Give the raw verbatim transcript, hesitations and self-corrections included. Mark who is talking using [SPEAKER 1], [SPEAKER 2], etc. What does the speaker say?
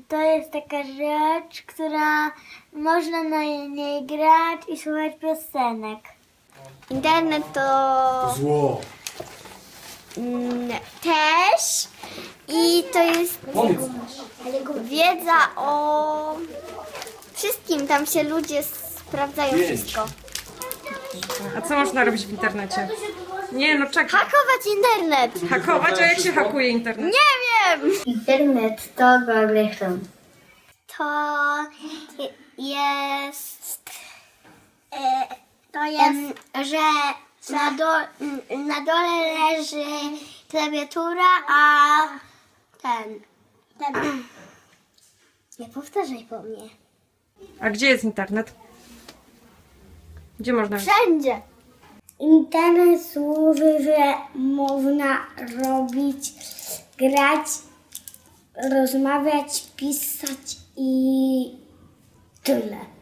[SPEAKER 1] to jest taka rzecz, która można na niej grać i słuchać piosenek. Internet to
[SPEAKER 2] Zło.
[SPEAKER 1] mm, też i to jest wiedza o wszystkim. Tam się ludzie sprawdzają wszystko.
[SPEAKER 3] A co można robić w internecie? Nie, no czekaj.
[SPEAKER 1] Hakować internet!
[SPEAKER 3] Hakować? A jak się hakuje internet?
[SPEAKER 1] Nie wiem! Internet to Google Chrome. To jest... E, to jest, że na, do, na dole leży klawiatura, a ten... ten nie powtarzaj po mnie.
[SPEAKER 3] A gdzie jest internet? Gdzie można?
[SPEAKER 1] Wszędzie! Internet służy, że można robić, grać, rozmawiać, pisać i tyle.